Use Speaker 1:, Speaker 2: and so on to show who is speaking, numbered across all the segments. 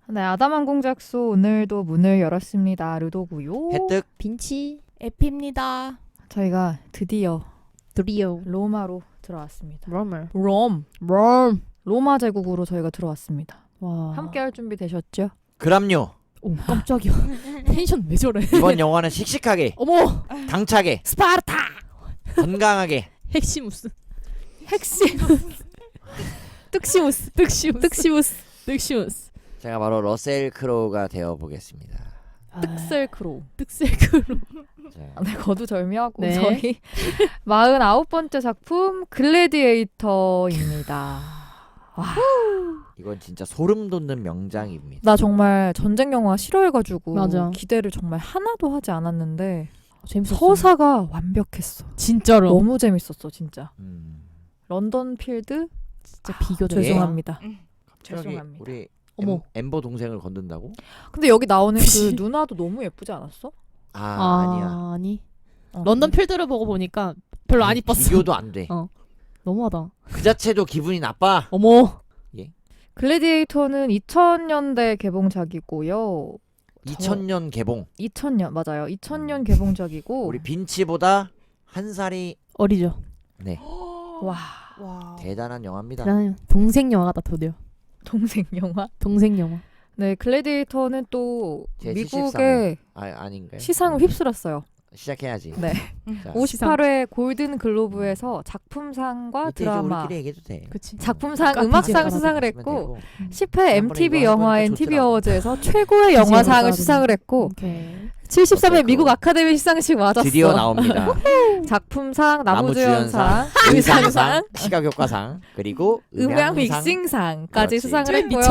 Speaker 1: 네, 아담항공작소 오늘도 문을 열었습니다. 르도고요.
Speaker 2: 혜택
Speaker 3: 빈치
Speaker 4: 에피입니다.
Speaker 1: 저희가 드디어
Speaker 3: 드리오
Speaker 1: 로마로 들어왔습니다.
Speaker 3: 럼을
Speaker 1: 롬. 로마 제국으로 저희가 들어왔습니다.
Speaker 3: 와
Speaker 1: 함께 할 준비 되셨죠?
Speaker 2: 그럼요.
Speaker 3: 오 깜짝이야 텐션 왜 저래
Speaker 2: 이번 영화는 씩씩하게
Speaker 3: 어머
Speaker 2: 당차게
Speaker 3: 스파르타
Speaker 2: 건강하게
Speaker 3: 헥시무스
Speaker 1: 핵심. 뜩시무스.
Speaker 3: 득시무스
Speaker 2: 제가 바로 러셀 크로우가 되어 보겠습니다.
Speaker 1: 뜩셀크로.
Speaker 3: 득셀크로
Speaker 2: 자,
Speaker 1: 네, 거두절미하고
Speaker 3: 네.
Speaker 1: 저희 49번째 작품 글래디에이터입니다. 와,
Speaker 2: 이건 진짜 소름 돋는 명장입니다.
Speaker 1: 나 정말 전쟁 영화 싫어해가지고
Speaker 3: 맞아.
Speaker 1: 기대를 정말 하나도 하지 않았는데
Speaker 3: 재밌었어
Speaker 1: 서사가 완벽했어.
Speaker 3: 진짜로
Speaker 1: 너무 재밌었어 진짜.
Speaker 2: 음,
Speaker 1: 런던 필드
Speaker 3: 진짜 비교적
Speaker 1: 죄송합니다.
Speaker 2: 갑자기
Speaker 1: 죄송합니다.
Speaker 2: 우리
Speaker 3: 어머.
Speaker 2: 엠버 동생을 건든다고?
Speaker 1: 근데 여기 나오는 그 누나도 너무 예쁘지 않았어?
Speaker 2: 아니야.
Speaker 3: 아니
Speaker 1: 어,
Speaker 3: 런던 필드를 보고 보니까 별로 안 이뻤어
Speaker 2: 비교도 안 돼.
Speaker 3: 너무하다
Speaker 2: 그 자체도 기분이 나빠.
Speaker 3: 어머
Speaker 1: 글래디에이터는 2000년대 개봉작이고요.
Speaker 2: 2000년 개봉.
Speaker 1: 2000년 맞아요. 2000년 개봉작이고
Speaker 2: 우리 빈치보다 한 살이
Speaker 3: 어리죠
Speaker 2: 네
Speaker 1: 와
Speaker 4: 와.
Speaker 2: 대단한 영화입니다.
Speaker 3: 대단해요 동생 영화 같다 드디어
Speaker 1: 동생 영화.
Speaker 3: 동생 영화
Speaker 1: 네, 글래디에이터는 또
Speaker 2: 제
Speaker 1: 미국의
Speaker 2: 아닌가요?
Speaker 1: 시상을 휩쓸었어요.
Speaker 2: 시작해야지.
Speaker 1: 네.
Speaker 2: 자,
Speaker 1: 58회 골든 글로브에서 작품상과
Speaker 2: 이때 이제
Speaker 1: 드라마,
Speaker 2: 우리끼리 얘기해도 돼.
Speaker 3: 그치
Speaker 1: 작품상,
Speaker 3: 카피지
Speaker 1: 음악상
Speaker 3: 깔아서
Speaker 1: 수상을
Speaker 2: 하시면
Speaker 1: 했고
Speaker 2: 되고.
Speaker 1: 10회
Speaker 2: 지난번에
Speaker 1: MTV
Speaker 2: 이거
Speaker 1: 영화
Speaker 2: 해보니까
Speaker 1: NTV
Speaker 2: 좋더라고.
Speaker 1: 어워즈에서 최고의 영화상을 수상을 했고
Speaker 3: 오케이
Speaker 1: 73회
Speaker 2: 어때요?
Speaker 1: 미국 아카데미 시상식 맞았어.
Speaker 2: 드디어 나옵니다.
Speaker 1: 작품상, 나무주연상,
Speaker 2: 나무주연상,
Speaker 1: 의상상,
Speaker 2: 의상상, 시각효과상, 그리고
Speaker 1: 음향
Speaker 2: 음향상,
Speaker 1: 믹싱상까지
Speaker 2: 그렇지.
Speaker 1: 수상을
Speaker 3: 쟤
Speaker 1: 했고요.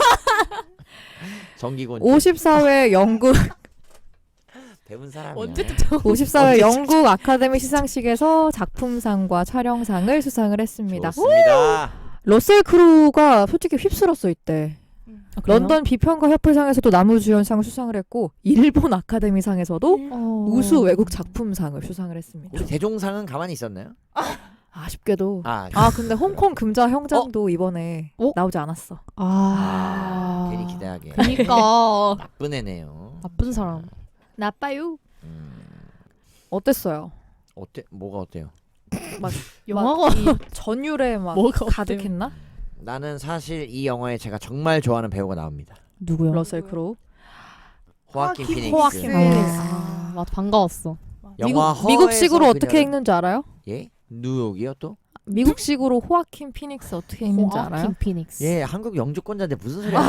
Speaker 2: 정기곤
Speaker 1: 54회 영국
Speaker 2: 배운 사람이야.
Speaker 3: 언제쯤 저
Speaker 1: 54회 영국 아카데미 시상식에서 작품상과 촬영상을 수상을 했습니다.
Speaker 2: 좋습니다.
Speaker 1: 러셀 크로우가 솔직히 휩쓸었어 이때. 런던 비평가 협회상에서도 나무주연상 수상을 했고 일본 아카데미상에서도 우수 외국 작품상을 수상을 했습니다.
Speaker 2: 우리 대종상은 가만히 있었나요?
Speaker 1: 아쉽게도.
Speaker 2: 아,
Speaker 1: 근데 홍콩 금자 형장도 이번에 나오지 않았어.
Speaker 2: 괜히 기대하게.
Speaker 3: 그니까
Speaker 2: 나쁜 애네요.
Speaker 3: 나쁜 사람
Speaker 1: 나빠요.
Speaker 2: 음,
Speaker 1: 어땠어요?
Speaker 2: 어때? 뭐가 어때요?
Speaker 3: 영화가
Speaker 1: 막 이 전율에 막
Speaker 3: 뭐가
Speaker 1: 가득했나?
Speaker 2: 나는 사실 이 영화에 제가 정말 좋아하는 배우가 나옵니다.
Speaker 3: 누구요?
Speaker 1: 러셀 크로우.
Speaker 2: 호아킨
Speaker 4: 호아킨
Speaker 2: 피닉스.
Speaker 1: 호아킨 피닉스.
Speaker 3: 맞아 반가웠어.
Speaker 2: 영화
Speaker 1: 미국식으로
Speaker 2: 허에서
Speaker 1: 어떻게
Speaker 2: 그녀를-
Speaker 1: 읽는 줄 알아요?
Speaker 2: 예? 뉴욕이요 또?
Speaker 1: 미국식으로 호아킨 피닉스 어떻게 읽는지 알아요?
Speaker 3: 호아킨 피닉스.
Speaker 2: 예, 한국 영주권자인데 무슨 소리야?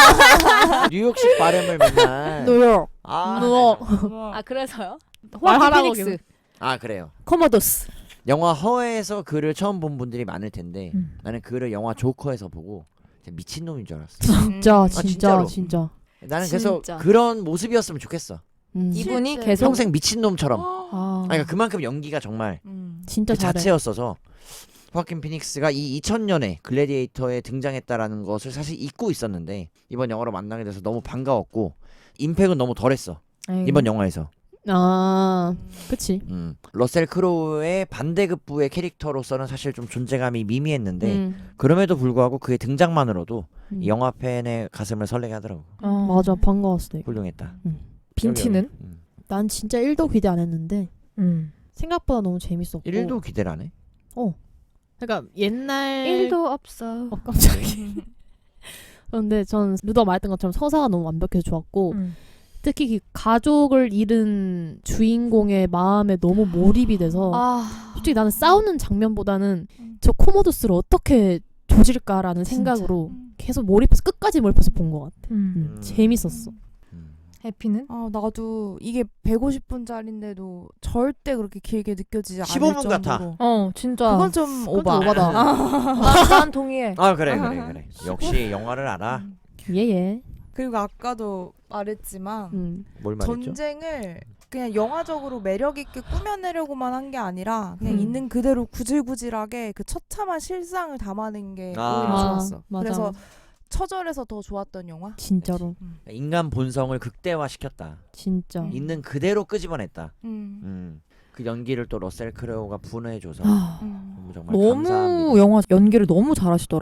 Speaker 2: 뉴욕식 발음을 맨날.
Speaker 1: 뉴욕.
Speaker 2: 아,
Speaker 1: 아 그래서요?
Speaker 3: 말하라고
Speaker 1: 호아킨 피닉스.
Speaker 2: 아 그래요.
Speaker 1: 코모도스.
Speaker 2: 영화 허에서 그를 처음 본 분들이 많을 텐데
Speaker 1: 음.
Speaker 2: 나는 그를 영화 조커에서 보고 진짜 미친놈인 줄 알았어.
Speaker 3: 진짜
Speaker 2: 진짜로.
Speaker 3: 진짜.
Speaker 2: 나는 그래서
Speaker 1: 진짜.
Speaker 2: 그런 모습이었으면 좋겠어.
Speaker 1: 이분이
Speaker 4: 실제.
Speaker 1: 계속
Speaker 2: 평생 미친놈처럼.
Speaker 3: 아,
Speaker 2: 그러니까 그만큼 연기가 정말
Speaker 3: 진짜
Speaker 2: 그
Speaker 3: 잘해.
Speaker 2: 자체였어서 호아킨 피닉스가 이 2000년에 글래디에이터에 등장했다라는 것을 사실 잊고 있었는데 이번 영화로 만나게 돼서 너무 반가웠고 임팩은 너무 덜했어.
Speaker 1: 에이.
Speaker 2: 이번 영화에서.
Speaker 3: 아, 그치.
Speaker 2: 러셀 크로우의 반대급부의 캐릭터로서는 사실 좀 존재감이 미미했는데
Speaker 3: 음.
Speaker 2: 그럼에도 불구하고 그의 등장만으로도
Speaker 3: 음.
Speaker 2: 이 영화 팬의 가슴을 설레게 하더라고.
Speaker 3: 맞아 반가웠어. 되게.
Speaker 2: 훌륭했다.
Speaker 1: 빈티는?
Speaker 3: 난 진짜 1도 기대 안 했는데
Speaker 1: 음.
Speaker 3: 생각보다 너무 재밌었고.
Speaker 2: 1도 기대를 안 해?
Speaker 3: 그러니까 옛날
Speaker 1: 1도 없어.
Speaker 3: 깜짝이야. 그런데 전 누가 말했던 것처럼 서사가 너무 완벽해서 좋았고 특히 그 가족을 잃은 주인공의 마음에 너무 몰입이 돼서 솔직히 나는 싸우는 장면보다는 저 코모도스를 어떻게 조질까라는
Speaker 1: 진짜.
Speaker 3: 생각으로 계속 몰입해서 끝까지 몰입해서 본 것 같아. 재밌었어.
Speaker 1: 해피는?
Speaker 4: 나도 이게 150분짜리인데도 절대 그렇게 길게 느껴지지 않을
Speaker 2: 15분
Speaker 4: 정도로.
Speaker 2: 같아.
Speaker 1: 진짜.
Speaker 4: 그건 좀 오바.
Speaker 3: 오바다.
Speaker 1: 난 동의해.
Speaker 2: 아 그래. 역시 영화를 알아.
Speaker 3: 예예.
Speaker 4: 그리고 아까도 말했지만
Speaker 2: 뭘 말했죠?
Speaker 4: 전쟁을 그냥 영화적으로 매력 있게 꾸며내려고만 한 게 아니라 그냥
Speaker 3: 음.
Speaker 4: 있는 그대로 구질구질하게 그 처참한 실상을 담아낸 게
Speaker 2: 아.
Speaker 4: 오히려 좋았어.
Speaker 3: 맞아.
Speaker 4: 그래서 처절해서 더 좋았던 영화.
Speaker 3: 진짜로
Speaker 2: 인간 본성을 극대화시켰다.
Speaker 3: 진짜.
Speaker 2: 있는 그대로 끄집어냈다.
Speaker 4: 음.
Speaker 2: 그 연기를 또 러셀 크로우가 분해줘서
Speaker 4: 음.
Speaker 2: 정말 감사합니다.
Speaker 1: 너무 영화 연기를 너무 잘하시더라고.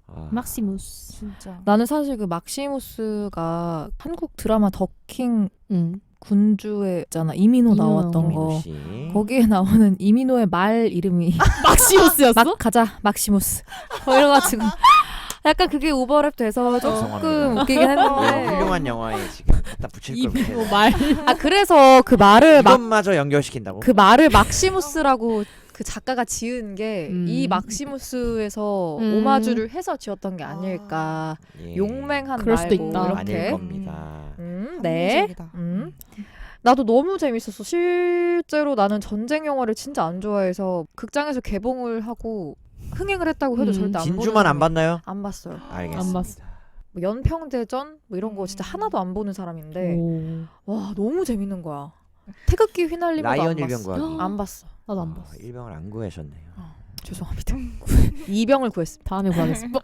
Speaker 3: 막시무스.
Speaker 4: 진짜.
Speaker 1: 나는 사실 그 막시무스가 한국 드라마 더킹
Speaker 3: 응.
Speaker 1: 군주에 있잖아. 이민호 나왔던
Speaker 2: 이민호
Speaker 1: 거.
Speaker 2: 씨.
Speaker 1: 거기에 나오는 이민호의 말 이름이
Speaker 3: 막시무스였어?
Speaker 1: 막 가자 막시무스. 이래가지고 약간 그게 오버랩 돼서 조금
Speaker 2: 죄송합니다.
Speaker 1: 웃기긴 했는데.
Speaker 2: 훌륭한 영화에 지금 갖다 붙일 걸
Speaker 3: 이민호
Speaker 2: 못해.
Speaker 3: 말.
Speaker 1: 아 그래서 그 말을
Speaker 2: 이것마저 연결시킨다고?
Speaker 1: 그 말을 막시무스라고 그 작가가 지은 게 이
Speaker 3: 음.
Speaker 1: 막시무스에서
Speaker 3: 음.
Speaker 1: 오마주를 해서 지었던 게 아닐까.
Speaker 2: 예.
Speaker 1: 용맹한
Speaker 3: 그럴 수도
Speaker 1: 말고
Speaker 3: 있다.
Speaker 2: 아닐
Speaker 1: 이렇게.
Speaker 2: 겁니다.
Speaker 1: 네.
Speaker 4: 합리적이다.
Speaker 1: 나도 너무 재밌었어. 실제로 나는 전쟁 영화를 진짜 안 좋아해서 극장에서 개봉을 하고 흥행을 했다고 해도 절대 안
Speaker 2: 진주만 안
Speaker 1: 보는
Speaker 2: 봤나요?
Speaker 1: 안 봤어요.
Speaker 2: 알겠습니다.
Speaker 3: 안 봤어.
Speaker 1: 뭐 연평대전 뭐 이런 거 진짜 하나도 안 보는 사람인데
Speaker 3: 오.
Speaker 1: 와 너무 재밌는 거야. 태극기 휘날리면도
Speaker 2: 라이언
Speaker 1: 안
Speaker 2: 일병
Speaker 1: 봤어.
Speaker 2: 구하기.
Speaker 1: 안 봤어.
Speaker 3: 나도 안 봤어.
Speaker 2: 일병을 안 구하셨네요.
Speaker 1: 죄송합니다. 이병을 구했습니다.
Speaker 3: 다음에 구하겠습니다.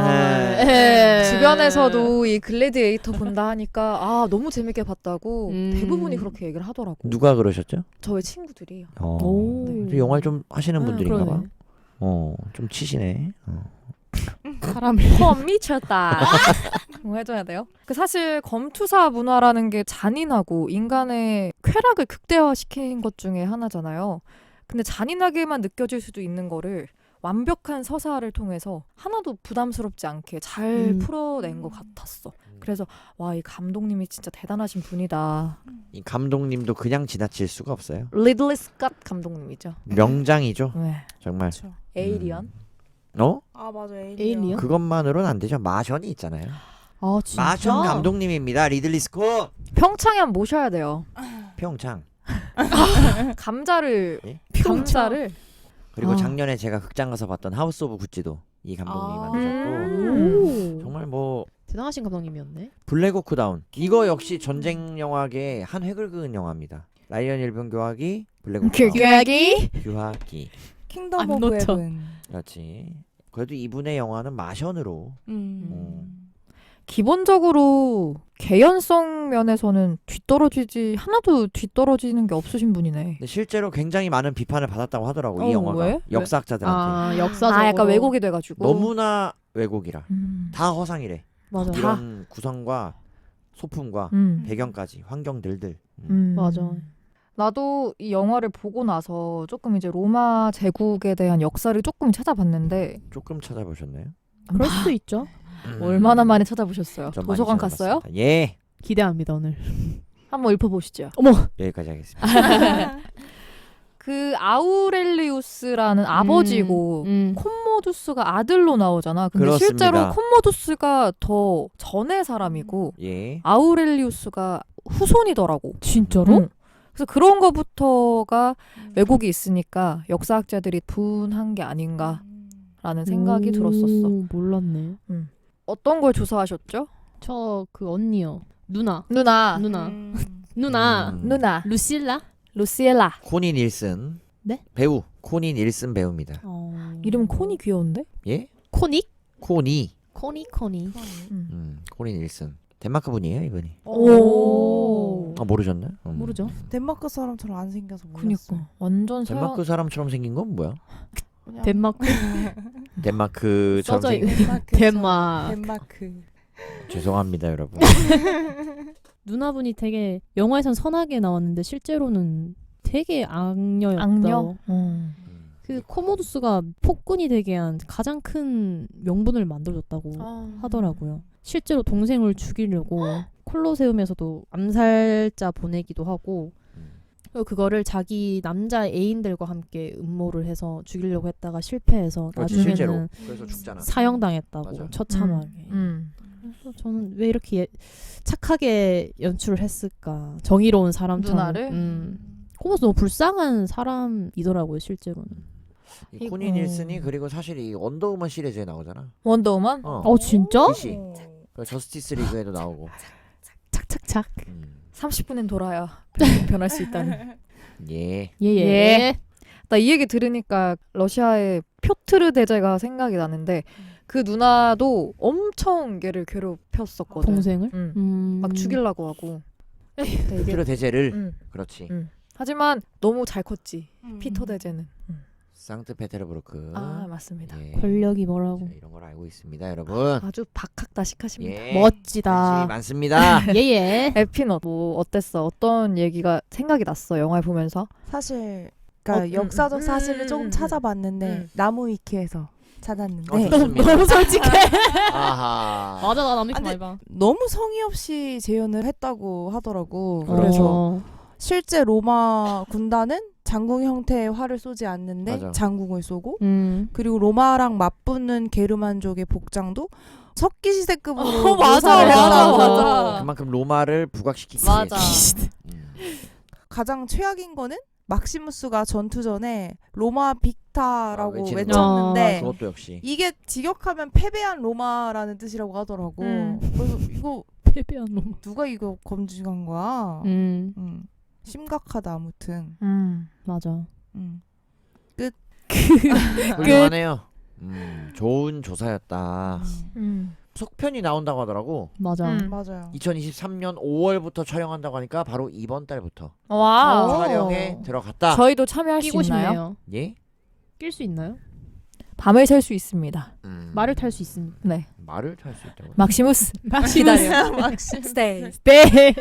Speaker 1: 주변에서도 이 글래디에이터 본다 하니까 아 너무 재밌게 봤다고 대부분이 그렇게 얘기를 하더라고.
Speaker 2: 누가 그러셨죠?
Speaker 1: 저의 친구들이요.
Speaker 3: 오.
Speaker 1: 네.
Speaker 2: 영화를 좀 하시는 분들인가 봐.
Speaker 3: 그러네.
Speaker 2: 좀 치시네.
Speaker 3: 사람을.
Speaker 1: 미쳤다. 뭐 해줘야 돼요? 그 사실 검투사 문화라는 게 잔인하고 인간의 쾌락을 극대화시킨 것 중에 하나잖아요. 근데 잔인하게만 느껴질 수도 있는 거를 완벽한 서사를 통해서 하나도 부담스럽지 않게 잘 풀어낸 것 같았어. 그래서 와, 이 감독님이 진짜 대단하신 분이다.
Speaker 2: 이 감독님도 그냥 지나칠 수가 없어요.
Speaker 1: 리들리 스캇 감독님이죠.
Speaker 2: 명장이죠.
Speaker 1: 네.
Speaker 2: 정말.
Speaker 4: 그렇죠.
Speaker 1: 에이리언.
Speaker 4: 아 맞아
Speaker 3: 에일리언?
Speaker 2: 그것만으로는 안 되죠. 마션이 있잖아요.
Speaker 3: 아 진짜?
Speaker 2: 마션 감독님입니다. 리들리 스콧.
Speaker 1: 평창에 한번 모셔야 돼요.
Speaker 2: 평창.
Speaker 1: 감자를
Speaker 2: 예?
Speaker 1: 감자를
Speaker 2: 그리고
Speaker 3: 아.
Speaker 2: 작년에 제가 극장 가서 봤던 하우스 오브 구찌도 이 감독님이
Speaker 4: 아.
Speaker 2: 만드셨고
Speaker 3: 오.
Speaker 2: 정말 뭐
Speaker 3: 대단하신 감독님이었네.
Speaker 2: 블랙호크 다운 이거 역시 전쟁 영화계의 한 획을 그은 영화입니다. 라이언 일병 교화기, 블랙호크 다운,
Speaker 1: 교육이
Speaker 2: 교화기.
Speaker 4: 킹덤
Speaker 3: 안
Speaker 4: 오브
Speaker 3: 놓쳐.
Speaker 4: 헤븐.
Speaker 2: 그렇지. 그래도 이분의 영화는 마션으로
Speaker 1: 기본적으로 개연성 면에서는 하나도 뒤떨어지는 게 없으신 분이네.
Speaker 2: 근데 실제로 굉장히 많은 비판을 받았다고 하더라고 이
Speaker 1: 어,
Speaker 2: 영화가
Speaker 1: 왜?
Speaker 2: 역사학자들한테
Speaker 3: 역사적으로.
Speaker 1: 아, 약간 왜곡이 돼가지고.
Speaker 2: 너무나 왜곡이라
Speaker 1: 음.
Speaker 2: 다 허상이래.
Speaker 3: 맞아.
Speaker 2: 이런 구성과 소품과 배경까지 환경들들.
Speaker 3: 맞아.
Speaker 1: 나도 이 영화를 보고 나서 조금 이제 로마 제국에 대한 역사를 조금 찾아봤는데
Speaker 2: 조금 찾아보셨나요?
Speaker 3: 그럴 수도 있죠.
Speaker 1: 얼마나 많이 찾아보셨어요?
Speaker 2: 좀 많이
Speaker 1: 도서관 갔어요?
Speaker 2: 찾아봤습니다. 예,
Speaker 3: 기대합니다 오늘.
Speaker 1: 한번 읽어보시죠.
Speaker 2: 여기까지 하겠습니다.
Speaker 1: 그 아우렐리우스라는 아버지고 콤모두스가 아들로 나오잖아. 근데
Speaker 2: 그렇습니다.
Speaker 1: 실제로 콤모두스가 더 전의 사람이고
Speaker 2: 예,
Speaker 1: 아우렐리우스가 후손이더라고.
Speaker 3: 진짜로?
Speaker 1: 응. 그래서 그런 거부터가 왜곡이 있으니까 역사학자들이 분한 게 아닌가라는 생각이 들었었어.
Speaker 3: 몰랐네.
Speaker 1: 어떤 걸 조사하셨죠?
Speaker 3: 저 그 언니요. 누나.
Speaker 1: 누나.
Speaker 3: 누나. 루실라?
Speaker 1: 루시엘라.
Speaker 2: 코니 닐슨.
Speaker 3: 네?
Speaker 2: 배우 코니 닐슨 배우입니다.
Speaker 1: 이름 콘이 귀여운데?
Speaker 2: 예,
Speaker 3: 코닉?
Speaker 2: 코니.
Speaker 3: 코니.
Speaker 2: 코니 닐슨. 덴마크 분이에요 이분이.
Speaker 1: 오.
Speaker 2: 모르셨나요?
Speaker 3: 모르죠.
Speaker 4: 덴마크 사람처럼 안 생겨서 몰랐어.
Speaker 1: 그니까 완전 서양.
Speaker 2: 덴마크 사람처럼 생긴 건 뭐야?
Speaker 4: 그냥
Speaker 3: 덴마크.
Speaker 2: 덴마크처럼
Speaker 3: 써져
Speaker 2: 생긴.
Speaker 4: 덴마크.
Speaker 2: 죄송합니다 여러분.
Speaker 3: 누나분이 되게 영화에선 선하게 나왔는데 실제로는 되게 악녀였다.
Speaker 1: 악녀?
Speaker 3: 그 코모두스가 폭군이 되게 한 가장 큰 명분을 만들어줬다고 하더라고요. 실제로 동생을 죽이려고 콜로세움에서도 암살자 보내기도 하고 그리고 그거를 자기 남자 애인들과 함께 음모를 해서 죽이려고 했다가 실패해서
Speaker 2: 그렇지, 실제로.
Speaker 3: 나중에는
Speaker 2: 그래서 죽잖아.
Speaker 3: 사형당했다고
Speaker 2: 맞아.
Speaker 3: 처참하게. 그래서 저는 왜 이렇게 착하게 연출을 했을까? 정의로운 사람처럼.
Speaker 1: 누나를?
Speaker 3: 코모두스 너무 불쌍한 사람이더라고요 실제로는.
Speaker 2: 이 코니 닐슨이 그리고 사실 이 원더우먼 시리즈에 나오잖아.
Speaker 1: 원더우먼?
Speaker 3: 진짜?
Speaker 2: 그치? 그 저스티스 리그에도 나오고.
Speaker 3: 착착착.
Speaker 1: 30분엔 돌아야 변할 수 있다는.
Speaker 2: 예.
Speaker 3: 예.
Speaker 1: 나 이 얘기 들으니까 러시아의 표트르 대제가 생각이 나는데 그 누나도 엄청 걔를 괴롭혔었거든.
Speaker 3: 동생을?
Speaker 1: 막 죽이려고 하고.
Speaker 2: 피터 대제를. 그렇지.
Speaker 1: 하지만 너무 잘 컸지. 피터 대제는.
Speaker 2: 상트페테르부르크.
Speaker 1: 아 맞습니다.
Speaker 2: 예.
Speaker 3: 권력이 뭐라고.
Speaker 2: 자, 이런 걸 알고 있습니다, 여러분.
Speaker 1: 아주 박학다식하십니다.
Speaker 2: 예.
Speaker 3: 멋지다.
Speaker 2: 관심이 많습니다.
Speaker 3: 예예.
Speaker 1: 에피너 뭐 어땠어? 어떤 얘기가 생각이 났어? 영화 보면서?
Speaker 4: 사실 그러니까 역사적 사실을 조금 찾아봤는데 나무 위키에서 찾았는데
Speaker 2: 좋습니다.
Speaker 3: 너무 솔직해.
Speaker 2: 아하.
Speaker 3: 맞아 나 남이
Speaker 4: 근데
Speaker 3: 많이 봐.
Speaker 4: 너무 성의 없이 재현을 했다고 하더라고.
Speaker 2: 그래서
Speaker 4: 그래서 실제 로마 군단은 장궁 형태의 활을 쏘지 않는데
Speaker 2: 맞아.
Speaker 4: 장궁을 쏘고
Speaker 3: 그리고
Speaker 4: 그리고 로마랑 맞붙는 게르만족의 복장도 석기시대급으로
Speaker 1: 맞아,
Speaker 4: 묘사를
Speaker 1: 맞아,
Speaker 4: 했다고.
Speaker 1: 맞아.
Speaker 2: 그만큼 로마를 부각시키기
Speaker 1: 맞아.
Speaker 2: 위해서.
Speaker 4: 가장 최악인 거는 막시무스가 전투 전에 로마 빅타라고
Speaker 2: 외치는
Speaker 4: 외쳤는데
Speaker 2: 그것도 역시
Speaker 4: 이게 직역하면 패배한 로마라는 뜻이라고 하더라고. 그래서 이거
Speaker 3: 패배한 놈.
Speaker 4: 누가 이거 검증한 거야? 심각하다 아무튼.
Speaker 3: 맞아.
Speaker 2: 훌륭하네요. 좋은 조사였다. 속편이 나온다고 하더라고.
Speaker 3: 맞아.
Speaker 4: 맞아요.
Speaker 2: 2023년 5월부터 촬영한다고 하니까 바로 이번 달부터
Speaker 1: 와.
Speaker 2: 촬영에 들어갔다.
Speaker 1: 저희도 참여할 수
Speaker 3: 끼고
Speaker 1: 있나요?
Speaker 3: 싶네요.
Speaker 2: 예?
Speaker 3: 낄 수 있나요?
Speaker 1: 밤을 샐 수 있습니다.
Speaker 3: 말을 탈 수 있습니다.
Speaker 1: 네.
Speaker 2: 말을 탈 수 있다고.
Speaker 1: 막시무스. 기다려. 스테이.
Speaker 3: 네.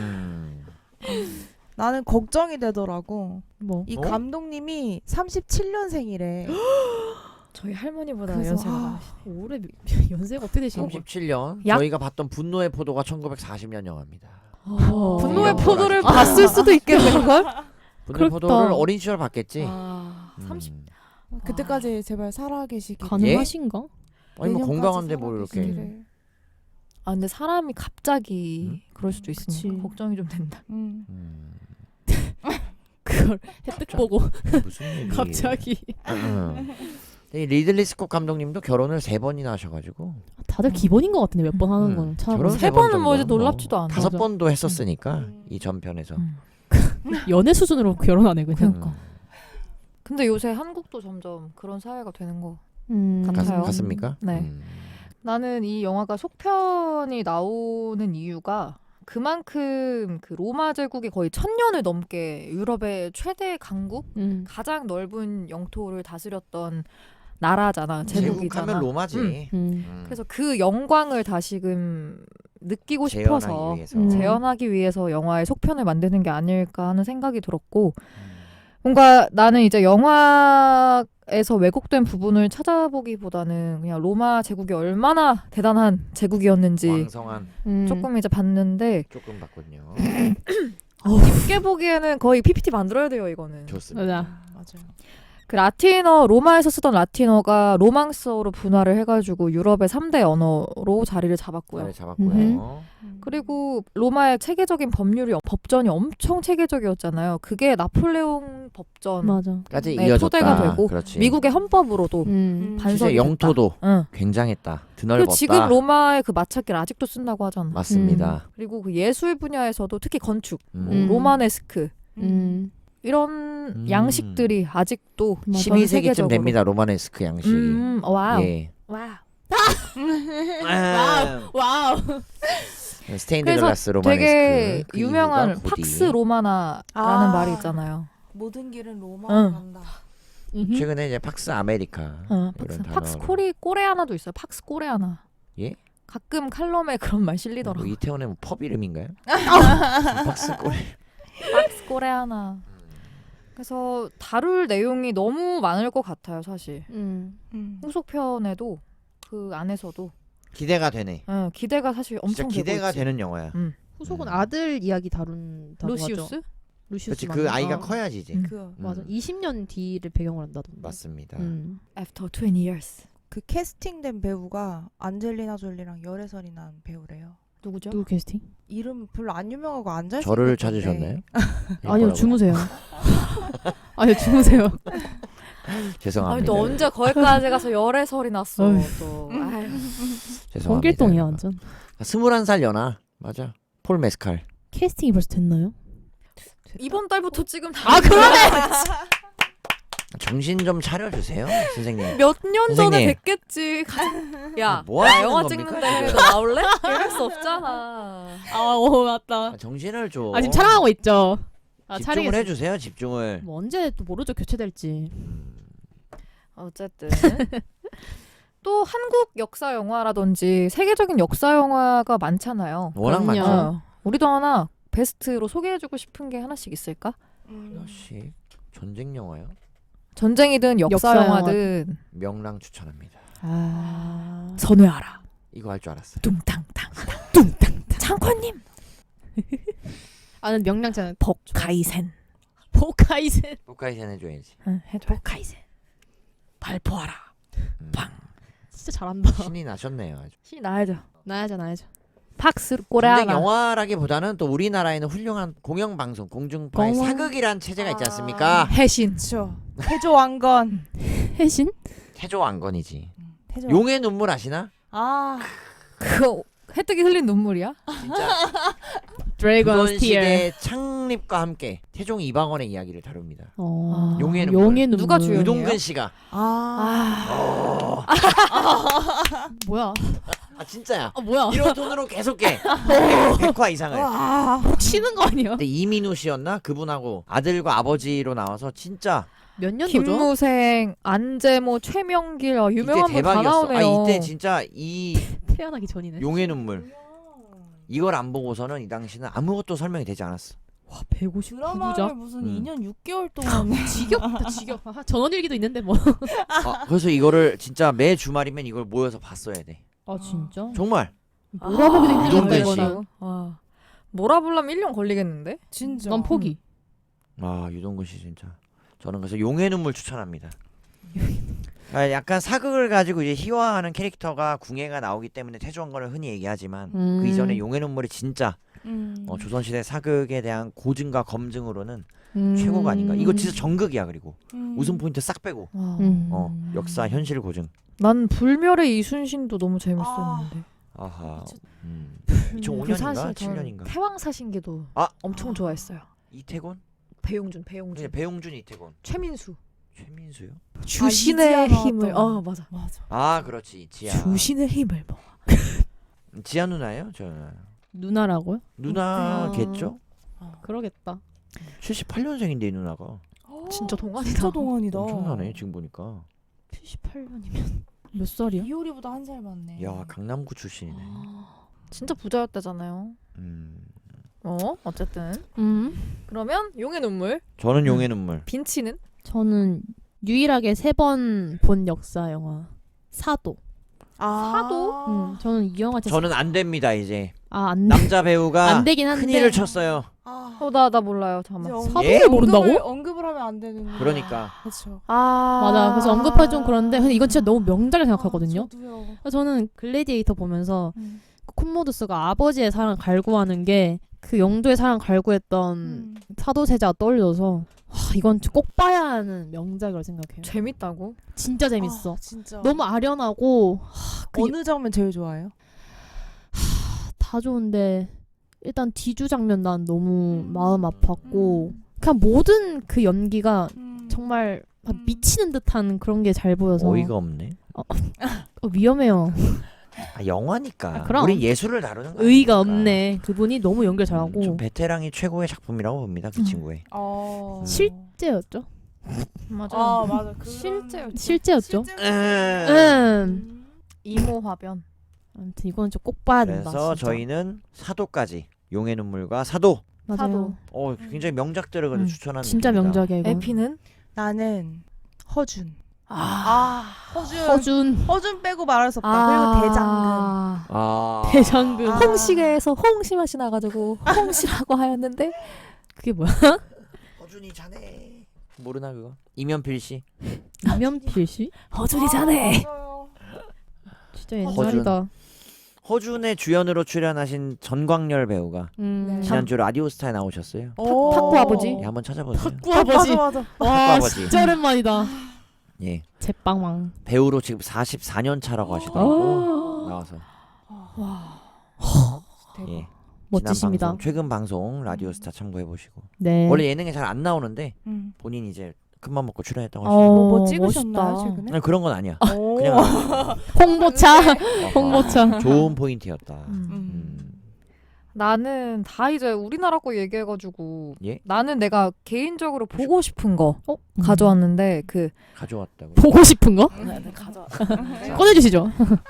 Speaker 4: 나는 걱정이 되더라고.
Speaker 3: 뭐.
Speaker 4: 이
Speaker 2: 어?
Speaker 4: 감독님이 37년생이래.
Speaker 1: 저희 할머니보다
Speaker 4: 그래서
Speaker 1: 연세가
Speaker 4: 아,
Speaker 1: 많으시네.
Speaker 3: 올해 연세가 어떻게 되시는 거야?
Speaker 2: 37년.
Speaker 1: 약-
Speaker 2: 저희가 봤던 분노의 포도가 1940년 영화입니다.
Speaker 1: 분노의
Speaker 2: 이런
Speaker 1: 포도를
Speaker 2: 걸
Speaker 1: 봤을 수도 있겠네 그걸.
Speaker 2: 분노의
Speaker 3: 그렇다.
Speaker 2: 포도를 어린 시절 봤겠지.
Speaker 1: 아, 30.
Speaker 4: 그때까지 제발 살아계시길.
Speaker 3: 가능하신가?
Speaker 2: 아니 뭐
Speaker 4: 내년까지
Speaker 2: 건강한데 뭘 이렇게.
Speaker 4: 살아계시기를.
Speaker 1: 아 근데 사람이 갑자기
Speaker 2: 음?
Speaker 1: 그럴 수도 있으니까
Speaker 3: 그치.
Speaker 1: 걱정이 좀 된다.
Speaker 3: 그걸 혜택 보고
Speaker 2: 무슨 얘기?
Speaker 3: 갑자기.
Speaker 2: 이 리들리 스콧 감독님도 결혼을 3번이나 하셔가지고
Speaker 3: 다들 기본인 것 같은데 몇 번 하는
Speaker 2: 결혼
Speaker 3: 거는 찾아보면
Speaker 1: 세
Speaker 2: 세 번
Speaker 1: 번은 뭐 이제
Speaker 2: 정도는
Speaker 1: 놀랍지도 않아.
Speaker 2: 5번도 했었으니까 이 전편에서.
Speaker 3: 연애 수준으로 결혼하네 그냥.
Speaker 1: 그러니까. 근데 요새 한국도 점점 그런 사회가 되는 거.
Speaker 3: 같아요.
Speaker 1: 같아요.
Speaker 2: 같습니까?
Speaker 1: 네. 나는 이 영화가 속편이 나오는 이유가 그만큼 그 로마 제국이 거의 1000년을 넘게 유럽의 최대 강국, 가장 넓은 영토를 다스렸던 나라잖아, 제국이잖아.
Speaker 2: 제국하면 로마지.
Speaker 1: 그래서 그 영광을 다시금 느끼고 싶어서
Speaker 2: 재현하기 위해서.
Speaker 1: 재현하기 위해서 영화의 속편을 만드는 게 아닐까 하는 생각이 들었고, 뭔가 나는 이제 영화에서 왜곡된 부분을 찾아보기보다는 그냥 로마 제국이 얼마나 대단한 제국이었는지
Speaker 2: 왕성한
Speaker 1: 조금 이제 봤는데,
Speaker 2: 조금 봤군요.
Speaker 1: 깊게 보기에는 거의 PPT 만들어야 돼요 이거는.
Speaker 2: 좋습니다.
Speaker 3: 맞아.
Speaker 4: 맞아요.
Speaker 1: 그 라틴어, 로마에서 쓰던 라틴어가 로망스어로 분화를 해가지고 유럽의 3대 언어로 자리를 잡았고요.
Speaker 2: 잘 잡았고요.
Speaker 1: 그리고 로마의 체계적인 법전이 엄청 체계적이었잖아요. 그게 나폴레옹 법전
Speaker 3: 맞아.
Speaker 2: 까지
Speaker 1: 네,
Speaker 2: 이어졌다.
Speaker 1: 토대가 되고
Speaker 2: 그렇지.
Speaker 1: 미국의 헌법으로도
Speaker 3: 반성이
Speaker 2: 실제 영토도
Speaker 1: 응.
Speaker 2: 굉장했다.
Speaker 1: 그리고
Speaker 2: 드넓었다.
Speaker 1: 지금 로마의 그 마찰길 아직도 쓴다고 하잖아.
Speaker 2: 맞습니다.
Speaker 1: 그리고 그 예술 분야에서도 특히 건축, 뭐
Speaker 2: 음.
Speaker 1: 로마네스크 이런 양식들이 아직도 전
Speaker 2: 12세기쯤
Speaker 1: 세계적으로.
Speaker 2: 됩니다. 로마네스크 양식이.
Speaker 1: 와우.
Speaker 2: 예.
Speaker 1: 와우.
Speaker 3: 와우.
Speaker 2: 스테인드
Speaker 1: 그래서
Speaker 2: 글라스 로마네스크.
Speaker 1: 되게
Speaker 2: 그
Speaker 1: 유명한
Speaker 2: 이유가 고디.
Speaker 1: 팍스 로마나라는
Speaker 4: 아.
Speaker 1: 말이 있잖아요.
Speaker 4: 모든 길은 로마로
Speaker 1: 응.
Speaker 4: 간다.
Speaker 2: 최근에 이제 팍스 아메리카
Speaker 1: 팍스,
Speaker 2: 이런
Speaker 1: 팍스
Speaker 2: 단어를.
Speaker 1: 코레아나도 있어요. 팍스 코레아나.
Speaker 2: 예?
Speaker 1: 가끔 칼럼에 그런 말 실리더라고.
Speaker 2: 뭐 이태원의 뭐 펍 이름인가요? 팍스 꼬리.
Speaker 1: 팍스 코레아나. 그래서 다룰 내용이 너무 많을 것 같아요, 사실. 후속편에도 그 안에서도
Speaker 2: 기대가 되네.
Speaker 1: 기대가 사실
Speaker 2: 진짜
Speaker 1: 엄청
Speaker 2: 기대가
Speaker 1: 되고 있지.
Speaker 2: 되는 영화야.
Speaker 3: 후속은 아들 이야기 다룬다고 하죠.
Speaker 1: 루시우스?
Speaker 2: 그렇지
Speaker 3: 루시우스
Speaker 2: 그
Speaker 3: 맞나?
Speaker 2: 아이가
Speaker 3: 어.
Speaker 2: 커야지 이제.
Speaker 1: 음.
Speaker 3: 맞아.
Speaker 2: 음.
Speaker 3: 20년 뒤를 배경으로 한다던데.
Speaker 2: 맞습니다.
Speaker 1: After 20 years.
Speaker 4: 그 캐스팅된 배우가 안젤리나 졸리랑 열애설이 난 배우래요.
Speaker 1: 누구죠?
Speaker 3: 누구 캐스팅?
Speaker 4: 이름 별로 안 유명하고 안 잘생겼던데.
Speaker 2: 저를 찾으셨나요?
Speaker 3: 아니요 주무세요. 아니요 주무세요.
Speaker 2: 죄송합니다.
Speaker 1: 아니 너 언제 거기까지 가서 열애설이 났어 또. 아유.
Speaker 2: 죄송합니다.
Speaker 3: 성길동이야 완전.
Speaker 2: 21살 연하. 맞아. 폴 메스칼.
Speaker 3: 캐스팅이 벌써 됐나요?
Speaker 1: 이번 달부터 지금
Speaker 3: 아 그러네.
Speaker 2: 정신 좀 차려주세요, 선생님.
Speaker 1: 몇 년 전에
Speaker 2: 선생님.
Speaker 1: 됐겠지. 야,
Speaker 2: 뭐
Speaker 1: 나
Speaker 2: 하시는
Speaker 1: 영화
Speaker 2: 겁니까,
Speaker 1: 찍는데
Speaker 2: 지금?
Speaker 1: 너 나올래? 이럴 수 없잖아.
Speaker 3: 맞다.
Speaker 2: 정신을 줘.
Speaker 3: 지금 촬영하고 있죠.
Speaker 2: 집중을 해주세요, 집중을.
Speaker 3: 뭐 언제 또 모르죠 교체될지.
Speaker 1: 어쨌든 또 한국 역사 영화라든지 세계적인 역사 영화가 많잖아요.
Speaker 2: 워낙
Speaker 3: 그럼요.
Speaker 2: 많죠.
Speaker 1: 우리도 하나 베스트로 소개해주고 싶은 게 하나씩 있을까?
Speaker 2: 하나씩 전쟁 영화요?
Speaker 1: 전쟁이든 역사
Speaker 3: 역사
Speaker 1: 영화든
Speaker 2: 명랑 추천합니다.
Speaker 3: 아.
Speaker 1: 선회하라.
Speaker 2: 이거 할 줄 알았어요.
Speaker 1: 뚱땅땅 뚱땅땅 장관님
Speaker 3: 아는 명량자는
Speaker 1: 복카이센
Speaker 3: 포카이센.
Speaker 2: 포카이센 해줘야지.
Speaker 1: 해줘. 복카이센 발포하라. 빵.
Speaker 3: 진짜 잘한다.
Speaker 2: 신이 나셨네요. 아주.
Speaker 1: 시 나야죠.
Speaker 3: 나야죠.
Speaker 1: 박스를
Speaker 2: 전쟁
Speaker 1: 꼬레하라.
Speaker 2: 영화라기보다는 또 우리나라에는 훌륭한 공영방송, 공중파의
Speaker 3: 공원.
Speaker 2: 사극이란 체제가 있지 않습니까?
Speaker 1: 해신.
Speaker 4: 그렇죠. 태조 왕건.
Speaker 3: 해신?
Speaker 2: 태조 왕건이지.
Speaker 4: 태조.
Speaker 2: 용의 눈물 아시나?
Speaker 4: 아.
Speaker 1: 그거 해뜨기 흘린 눈물이야?
Speaker 2: 진짜
Speaker 3: 드래곤
Speaker 2: 조선
Speaker 3: 스티어.
Speaker 2: 시대 창립과 함께 태종 이방원의 이야기를 다룹니다.
Speaker 3: 어.
Speaker 2: 용의 눈물.
Speaker 3: 용의 눈물.
Speaker 1: 누가 주연이에요?
Speaker 2: 유동근 씨가.
Speaker 4: 아.
Speaker 3: 뭐야?
Speaker 2: 아 진짜야.
Speaker 3: 뭐야?
Speaker 2: 이런 돈으로 계속 깨. 100화 이상을.
Speaker 4: 와.
Speaker 3: 치는 거 아니야?
Speaker 2: 근데 이민우 씨였나? 그분하고 아들과 아버지로 나와서 진짜
Speaker 3: 몇 년도죠?
Speaker 1: 김무생, 안재모, 최명길 유명한
Speaker 2: 이때
Speaker 1: 분 다
Speaker 2: 대박이었어.
Speaker 1: 나오네요.
Speaker 2: 이때 진짜 이
Speaker 3: 태어나기 전이네.
Speaker 2: 용의 눈물 이걸 안 보고서는 이 당시는 아무것도 설명이 되지 않았어.
Speaker 3: 와 159부작.
Speaker 4: 드라마를 무슨
Speaker 2: 음.
Speaker 4: 2년 6개월 동안
Speaker 3: 지겹다 지겹. 전원일기도 있는데 뭐.
Speaker 2: 그래서 이거를 진짜 매 주말이면 이걸 모여서 봤어야 돼.
Speaker 3: 아 진짜?
Speaker 2: 정말.
Speaker 3: 몰아보기도 힘들다
Speaker 2: 유동근 씨.
Speaker 3: 이거는.
Speaker 1: 몰아보려면 1년 걸리겠는데?
Speaker 4: 진짜.
Speaker 3: 난 포기.
Speaker 2: 아 유동근 씨 진짜. 저는 그래서 용의 눈물 추천합니다. 약간 사극을 가지고 이제 희화하는 캐릭터가 궁예가 나오기 때문에 태조왕건을 흔히 얘기하지만 그 이전에 용의 눈물이 진짜 조선시대 사극에 대한 고증과 검증으로는 최고가 아닌가. 이거 진짜 정극이야. 그리고 웃음 포인트 싹 빼고 역사 현실 고증.
Speaker 1: 난 불멸의 이순신도 너무 재밌었는데.
Speaker 2: 아하.
Speaker 1: 그
Speaker 2: 2005년인가
Speaker 1: 사실
Speaker 2: 7년인가.
Speaker 1: 태왕사신기도 엄청 좋아했어요.
Speaker 2: 이태곤?
Speaker 1: 배용준.
Speaker 2: 그냥 배용준 이태곤.
Speaker 1: 최민수.
Speaker 2: 최민수요?
Speaker 1: 주신의
Speaker 4: 이지아
Speaker 1: 힘을.
Speaker 4: 나왔던.
Speaker 1: 맞아.
Speaker 4: 맞아.
Speaker 2: 아 그렇지 지아.
Speaker 1: 주신의 힘을 뭐.
Speaker 2: 지아 누나예요? 저
Speaker 3: 누나라고요?
Speaker 2: 누나겠죠?
Speaker 3: 그러겠다.
Speaker 2: 78년생인데 이 누나가.
Speaker 1: 진짜 동안이다.
Speaker 4: 진짜 동안이다.
Speaker 2: 엄청나네 지금 보니까.
Speaker 3: 78년이면 몇 살이야?
Speaker 4: 이효리보다 한 살 많네.
Speaker 2: 야 강남구 출신이네.
Speaker 1: 진짜 부자였다잖아요. 어쨌든. 그러면 용의 눈물.
Speaker 2: 저는 용의 눈물.
Speaker 1: 빈치는?
Speaker 3: 저는 유일하게 3번 본 역사 영화 사도.
Speaker 1: 사도?
Speaker 3: 저는 이 영화 진짜
Speaker 2: 저는 안 됩니다 이제.
Speaker 3: 안
Speaker 2: 남자 배우가
Speaker 3: 안 되긴 한데.
Speaker 2: 큰일을 쳤어요.
Speaker 1: 나 몰라요. 잠깐만.
Speaker 3: 사도를 모른다고?
Speaker 4: 언급을 하면 안 되는.
Speaker 2: 그러니까.
Speaker 4: 그렇죠.
Speaker 3: 맞아. 그래서 언급할 좀 그런데 근데 이건 진짜 너무 명작을 생각하거든요.
Speaker 4: 저도요.
Speaker 3: 저는 글래디에이터 보면서 콤모두스가 아버지의 사랑 갈구하는 게 그 영조의 사랑 갈구했던 사도세자가 떠올려서 이건 꼭 봐야 하는 명작이라고 생각해요.
Speaker 1: 재밌다고?
Speaker 3: 진짜 재밌어.
Speaker 4: 진짜.
Speaker 3: 너무 아련하고
Speaker 4: 어느 장면 제일 좋아해요?
Speaker 3: 다 좋은데 일단 뒤주 장면 난 너무 마음 아팠고 그냥 모든 그 연기가 정말 미치는 듯한 그런 게 잘 보여서
Speaker 2: 어이가 없네.
Speaker 3: 위험해요.
Speaker 2: 영화니까.
Speaker 3: 그럼.
Speaker 2: 우리 예술을 다루는 거
Speaker 3: 의의가
Speaker 2: 아닙니까?
Speaker 3: 없네. 그분이 너무 연기를 잘하고
Speaker 2: 좀 베테랑이 최고의 작품이라고 봅니다. 그 친구의.
Speaker 3: 실제였죠.
Speaker 1: 맞아.
Speaker 4: 맞아.
Speaker 3: 실제였죠.
Speaker 1: 이모 화변.
Speaker 3: 아무튼 이건 좀 꼭 봐야 된다.
Speaker 2: 그래서
Speaker 3: 진짜.
Speaker 2: 저희는 사도까지 용의 눈물과 사도.
Speaker 3: 맞아요.
Speaker 2: 굉장히 명작들을 그래도 추천하는.
Speaker 3: 진짜
Speaker 2: 느낌이다.
Speaker 3: 명작이야 이거.
Speaker 1: 에피는?
Speaker 4: 나는 허준. 허준 빼고 말할 수 없다. 그리고 대장금.
Speaker 3: 대장금.
Speaker 1: 홍시계에서 홍시 맛이 나가지고 홍시라고 하였는데
Speaker 3: 그게 뭐야?
Speaker 2: 허준이 자네. 모르나 그거? 이면필 씨.
Speaker 3: 이면필 씨?
Speaker 1: 허준이 자네.
Speaker 3: 진짜 옛날이다.
Speaker 2: 허준의 주연으로 출연하신 전광열 배우가 지난주 라디오스타에 나오셨어요.
Speaker 1: 탁구 아버지.
Speaker 2: 예, 한번 찾아보세요.
Speaker 3: 탁구 아버지.
Speaker 4: 맞아.
Speaker 3: 와
Speaker 2: 아버지.
Speaker 3: 진짜 오랜만이다.
Speaker 2: 예.
Speaker 3: 제빵왕.
Speaker 2: 배우로 지금 44년 차라고 하시더라고. 나와서. 예.
Speaker 3: 멋지십니다.
Speaker 2: 지난 방송, 최근 방송 라디오스타 참고해 보시고.
Speaker 3: 네.
Speaker 2: 원래 예능에 잘 안 나오는데 본인 이제 큰맘 먹고 출연했다고 하시고.
Speaker 4: 뭐 찍으셨나요
Speaker 3: 멋있다.
Speaker 4: 최근에?
Speaker 2: 아니, 그런 건 아니야.
Speaker 4: 오.
Speaker 2: 그냥
Speaker 3: 홍보차.
Speaker 2: 어허,
Speaker 3: 홍보차.
Speaker 2: 좋은 포인트였다.
Speaker 1: 나는 다 이제 우리나라 거 얘기해가지고
Speaker 2: 예?
Speaker 1: 나는 내가 개인적으로 보고 싶은 거
Speaker 3: 어?
Speaker 1: 가져왔는데 그
Speaker 2: 가져왔다고.
Speaker 3: 보고 싶은 거?
Speaker 4: 가져.
Speaker 3: 꺼내주시죠.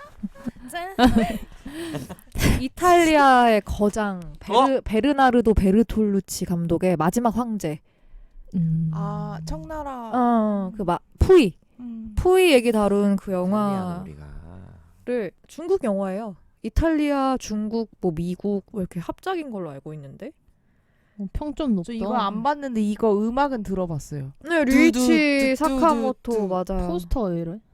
Speaker 1: 이탈리아의 거장 베르나르도 베르톨루치 감독의 마지막 황제.
Speaker 4: 아 청나라.
Speaker 1: 푸이
Speaker 4: 음.
Speaker 1: 푸이 얘기 다룬 그
Speaker 2: 이탈리아는
Speaker 1: 영화를
Speaker 2: 우리가
Speaker 1: 중국 영화예요. 이탈리아, 중국, 뭐 미국 뭐 이렇게 합작인 걸로 알고 있는데.
Speaker 3: 평점 높다.
Speaker 4: 저 이거 안 봤는데 이거 음악은 들어봤어요.
Speaker 1: 네, 류이치
Speaker 4: 뚜두,
Speaker 1: 사카모토
Speaker 4: 뚜두.
Speaker 1: 맞아요.
Speaker 3: 포스터 왜 이래?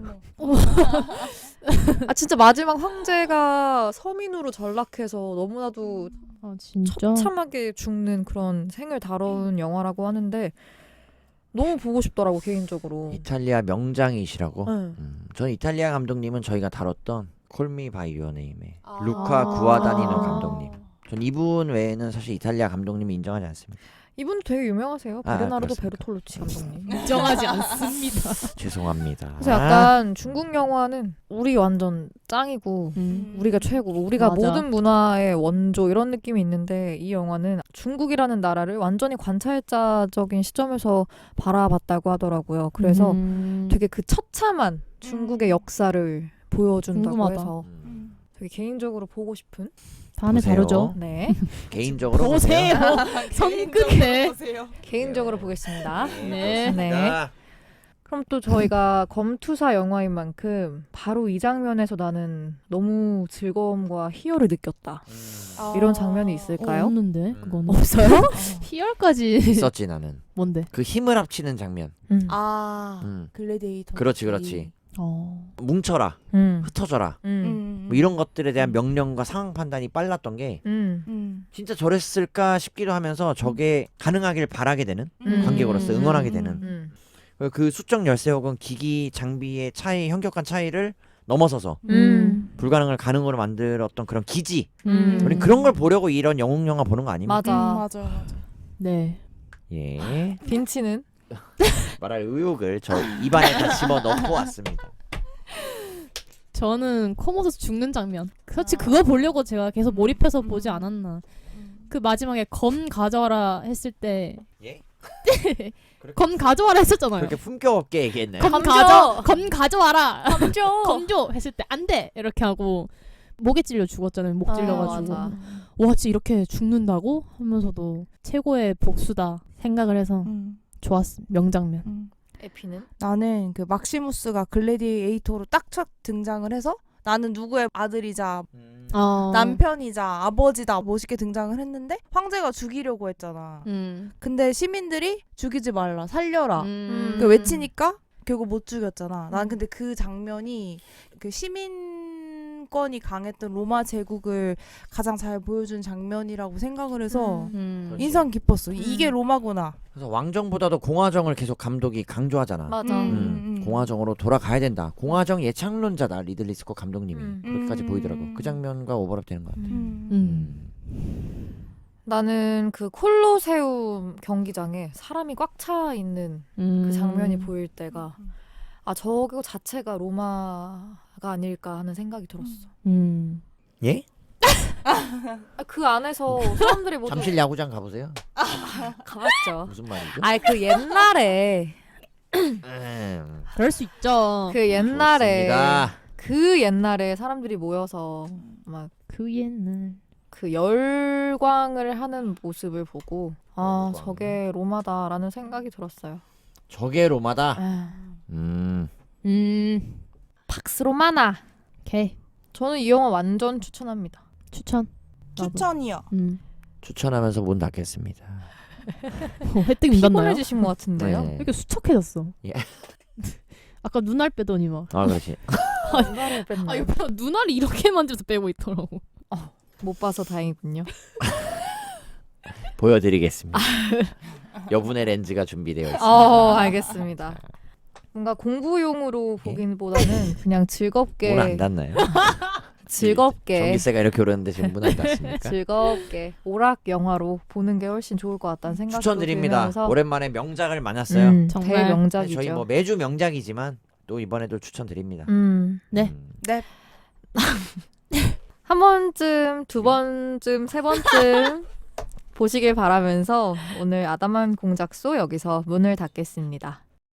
Speaker 1: 아 진짜 마지막 황제가 서민으로 전락해서 너무나도
Speaker 3: 아 진짜?
Speaker 1: 처참하게 죽는 그런 생을 다룬 영화라고 하는데 너무 보고 싶더라고 개인적으로.
Speaker 2: 이탈리아 명장이시라고.
Speaker 1: 네.
Speaker 2: 저는 이탈리아 감독님은 저희가 다뤘던 콜미 바이 유어 네임의
Speaker 4: 아.
Speaker 2: 루카 구아다니노 감독님. 전 이분 외에는 사실 이탈리아 감독님이 인정하지 않습니다.
Speaker 1: 이분 되게 유명하세요.
Speaker 2: 아,
Speaker 1: 베르나르도
Speaker 2: 그렇습니까?
Speaker 1: 베르톨루치 감독님.
Speaker 3: 인정하지 않습니다.
Speaker 2: 죄송합니다.
Speaker 1: 그래서 약간 중국 영화는 우리 완전 짱이고 우리가 최고고 우리가
Speaker 3: 맞아.
Speaker 1: 모든 문화의 원조 이런 느낌이 있는데 이 영화는 중국이라는 나라를 완전히 관찰자적인 시점에서 바라봤다고 하더라고요. 그래서 되게 그 처참한 중국의 역사를 보여준다고
Speaker 3: 궁금하다.
Speaker 1: 해서 되게 개인적으로 보고 싶은.
Speaker 3: 다음에
Speaker 2: 보세요.
Speaker 3: 다루죠.
Speaker 1: 네.
Speaker 2: 개인적으로
Speaker 3: 보세요. 성급네.
Speaker 1: 개인적으로 보겠습니다.
Speaker 3: 네.
Speaker 2: 네.
Speaker 1: 그럼 또 저희가 검투사 영화인 만큼 바로 이 장면에서 나는 너무 즐거움과 희열을 느꼈다. 이런 장면이 있을까요?
Speaker 3: 없는데 그건
Speaker 1: 없어요?
Speaker 3: 희열까지
Speaker 2: 있었지 나는.
Speaker 3: 뭔데?
Speaker 2: 그 힘을 합치는 장면.
Speaker 4: 아 글래디에이터.
Speaker 2: 그렇지. 뭉쳐라,
Speaker 1: 음.
Speaker 2: 흩어져라.
Speaker 1: 음.
Speaker 2: 뭐 이런 것들에 대한 명령과 상황 판단이 빨랐던 게 진짜 저랬을까 싶기도 하면서 저게 가능하길 바라게 되는 관객으로서 응원하게 되는 그 수적 열쇠 혹은 기기 장비의 차이, 현격한 차이를 넘어서서 불가능을 가능으로 만들었던 그런 기지. 우리 그런 걸 보려고 이런 영웅 영화 보는 거 아닙니까?
Speaker 1: 맞아.
Speaker 4: 맞아.
Speaker 3: 네.
Speaker 2: 예.
Speaker 1: 빈치는
Speaker 2: 말할 의욕을 저 입안에 다 집어 넣고 왔습니다.
Speaker 3: 저는 코모도스 죽는 장면. 솔직히 그거 보려고 제가 계속 몰입해서 보지 않았나. 그 마지막에 검 가져와라 했을 때
Speaker 2: 예?
Speaker 3: 검 가져와라 했었잖아요.
Speaker 2: 그렇게 품격 없게 얘기했나요?
Speaker 3: 검 가져와라. 검줘 했을 때 안 돼. 이렇게 하고 목에 찔려 죽었잖아요. 목 찔려가지고.
Speaker 1: 맞아.
Speaker 3: 와 진짜 이렇게 죽는다고 하면서도 최고의 복수다 생각을 해서 좋았어. 명장면.
Speaker 1: 에피는
Speaker 4: 나는 그 막시무스가 글래디에이터로 딱 첫 등장을 해서 나는 누구의 아들이자 남편이자 아버지다 멋있게 등장을 했는데 황제가 죽이려고 했잖아. 근데 시민들이 죽이지 말라 살려라 그 외치니까 결국 못 죽였잖아. 난 근데 그 장면이 그 시민권이 강했던 로마 제국을 가장 잘 보여준 장면이라고 생각을 해서
Speaker 2: 그렇지.
Speaker 4: 인상 깊었어. 이게 로마구나.
Speaker 2: 그래서 왕정보다도 공화정을 계속 감독이 강조하잖아.
Speaker 1: 맞아.
Speaker 2: 공화정으로 돌아가야 된다. 공화정 예창론자다 리들리 스콧 감독님이 그렇게까지 보이더라고. 그 장면과 오버랩 되는 것 같아.
Speaker 1: 나는 그 콜로세움 경기장에 사람이 꽉 차 있는 그 장면이 보일 때가 아 저거 자체가 로마가 아닐까 하는 생각이 들었어.
Speaker 2: 예?
Speaker 1: 그 안에서 사람들이 모두
Speaker 2: 잠실 야구장 가보세요.
Speaker 1: 가봤죠.
Speaker 2: 무슨 말이죠?
Speaker 1: 아니 그 옛날에
Speaker 3: 그럴 수 있죠.
Speaker 1: 그 옛날에
Speaker 2: 좋습니다.
Speaker 1: 그 옛날에 사람들이 모여서 막
Speaker 3: 그 옛날.
Speaker 1: 그 열광을 하는 모습을 보고 아
Speaker 2: 열광.
Speaker 1: 저게 로마다라는 생각이 들었어요.
Speaker 2: 저게 로마다.
Speaker 1: 아, 팍스 로마나.
Speaker 3: 오케이.
Speaker 1: 저는 이 영화 완전 추천합니다.
Speaker 3: 추천. 나도.
Speaker 4: 추천이요.
Speaker 2: 추천하면서 문 닫겠습니다.
Speaker 3: 혜택 문 닫나요?
Speaker 1: 피곤해지신 것 같은데요.
Speaker 2: 네.
Speaker 3: 왜 이렇게 수척해졌어?
Speaker 2: 예.
Speaker 3: 아까 눈알 빼더니 막.
Speaker 2: 아 그렇지.
Speaker 1: 눈알을
Speaker 3: 아
Speaker 1: 뺐나요?
Speaker 3: 이거 눈알이 이렇게 만져서 빼고 있더라고.
Speaker 1: 못 봐서 다행이군요.
Speaker 2: 보여드리겠습니다. 여분의 렌즈가 준비되어 있습니다.
Speaker 1: 알겠습니다. 뭔가 공부용으로 보기보다는 그냥 즐겁게
Speaker 2: 문 안 닫나요?
Speaker 1: 즐겁게
Speaker 2: 전기세가 이렇게 오르는데 지금 문 안 닫습니까?
Speaker 1: 즐겁게 오락 영화로 보는 게 훨씬 좋을 것 같다는 생각이
Speaker 2: 추천드립니다.
Speaker 1: 들면서
Speaker 2: 오랜만에 명작을 만났어요.
Speaker 3: 정말.
Speaker 1: 대명작이죠.
Speaker 2: 저희 뭐 매주 명작이지만 또 이번에도 추천드립니다.
Speaker 1: 네.
Speaker 3: 네.
Speaker 2: 음.
Speaker 4: 네.
Speaker 1: 한 번쯤, 두 번쯤, 세 번쯤 보시길 바라면서 오늘 아담한 공작소 여기서 문을 닫겠습니다.